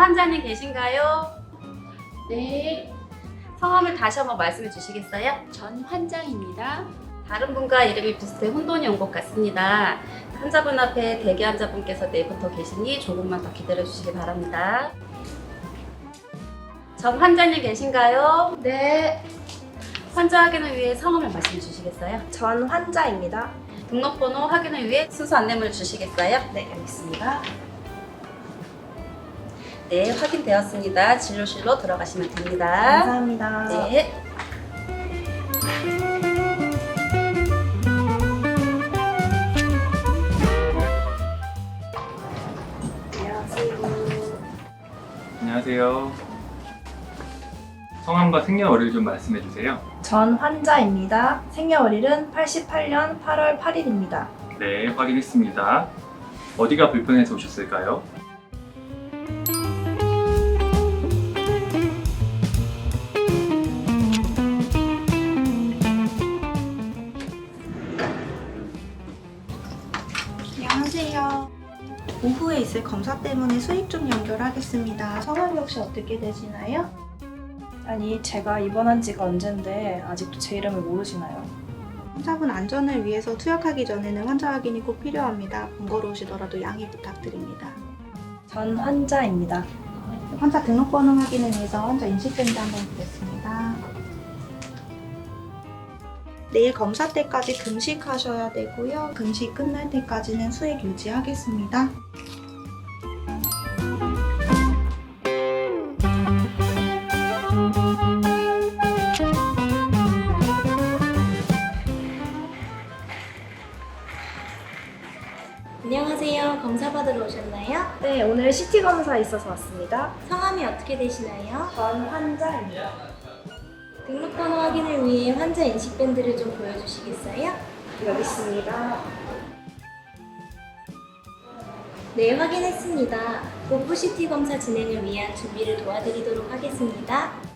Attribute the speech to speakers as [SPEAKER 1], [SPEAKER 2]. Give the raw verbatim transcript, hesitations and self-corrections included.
[SPEAKER 1] 환자님 계신가요?
[SPEAKER 2] 네,
[SPEAKER 1] 성함을 다시 한번 말씀해 주시겠어요?
[SPEAKER 2] 전 환자입니다.
[SPEAKER 1] 다른 분과 이름이 비슷해 혼돈이 온 것 같습니다. 환자분 앞에 대기 환자분께서 내부터 계시니 조금만 더 기다려 주시기 바랍니다. 전 환자님 계신가요?
[SPEAKER 3] 네,
[SPEAKER 1] 환자 확인을 위해 성함을 말씀해 주시겠어요?
[SPEAKER 3] 전 환자입니다.
[SPEAKER 1] 등록번호 확인을 위해 순서 안내문을 주시겠어요?
[SPEAKER 3] 네, 알겠습니다.
[SPEAKER 1] 네, 확인되었습니다. 진료실로 들어가시면 됩니다.
[SPEAKER 3] 감사합니다.
[SPEAKER 1] 네.
[SPEAKER 3] 안녕하세요.
[SPEAKER 4] 안녕하세요. 성함과 생년월일 좀 말씀해 주세요.
[SPEAKER 3] 전 환자입니다. 생년월일은 팔십팔 년 팔월 팔일입니다.
[SPEAKER 4] 네, 확인했습니다. 어디가 불편해서 오셨을까요?
[SPEAKER 5] 안녕하세요. 오후에 있을 검사 때문에 수익 좀 연결하겠습니다. 성함이 혹시 어떻게 되시나요?
[SPEAKER 3] 아니, 제가 입원한 지가 언젠데 아직도 제 이름을 모르시나요?
[SPEAKER 5] 환자분 안전을 위해서 투약하기 전에는 환자 확인이 꼭 필요합니다. 번거로우시더라도 양해 부탁드립니다.
[SPEAKER 3] 전 환자입니다.
[SPEAKER 5] 환자 등록번호 확인을 위해서 환자 인식밴드 한번 보겠습니다. 내일 검사 때까지 금식하셔야 되고요. 금식 끝날 때까지는 수액 유지하겠습니다.
[SPEAKER 6] 안녕하세요. 검사 받으러 오셨나요?
[SPEAKER 3] 네, 오늘 씨티 검사 있어서 왔습니다.
[SPEAKER 6] 성함이 어떻게 되시나요?
[SPEAKER 3] 전 환자입니다.
[SPEAKER 6] 등록번호 확인을 위해 환자 인식밴드를 좀 보여주시겠어요?
[SPEAKER 3] 여기 있습니다.
[SPEAKER 6] 네, 확인했습니다. 복부 씨티 검사 진행을 위한 준비를 도와드리도록 하겠습니다.